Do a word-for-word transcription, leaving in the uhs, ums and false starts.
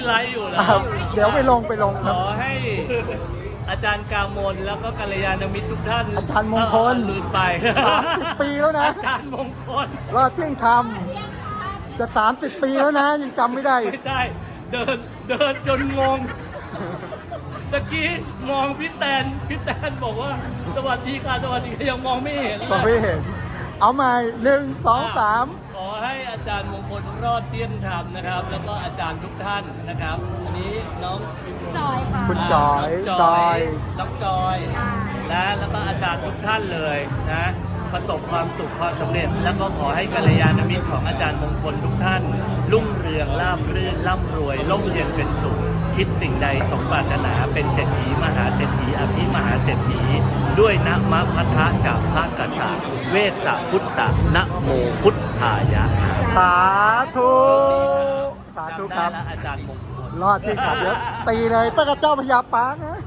ไลฟ์อยู่แล้วเดี๋ยวไปลงไปลงขอให้อาจารย์กามลแล้วก็กัลยาณมิตรทุกท่านอาจารย์มงคลลืมไปสามสิบปีแล้วนะอาจารย์มงคลรอดเที่ยงธรรมจะสามสิบปีแล้วนะยังจำไม่ได้ไม่ใช่เดินเดินจนงงตะกี้มองพี่แตนพี่แตนบอกว่าสวัสดีค่ะสวัสดีค่ะยังมองไม่เห็นเลก็ยไม่เห็น เอาใหม่หนึ่งสองสามขอให้อาจารย์มงคลรอดเที่ยงธรรมนะครับ แล้วก็อาจารย์ทุกท่านนะครับอันนี้น้องจอยค่ะคุณจอยน้องจจออย ยน้องจอยนะแล้วก็อาจารย์ทุกท่านเลยนะประสบความสุขความสำเร็จ แล้วก็ขอให้กัลยาณมิตรของอาจารย์มงคลทุกท่าน รุ่งเรืองราบรื่นร่ำรวยร่มเย็นเป็นสุข คิดสิ่งใดสมปรารถนาเป็นเศรษฐีมหาเศรษฐีอภิมหาเศรษฐีด้วยนะมะพัทธะจากพระกษัตริย์เวสสะพุทธะนะโมพุทธายะสาธุสาธุครับจำได้แล้วอาจารย์มงคลรอดที่ขับเดี๋ยวตีเลยตั้งแต่เจ้าพญาปางนะ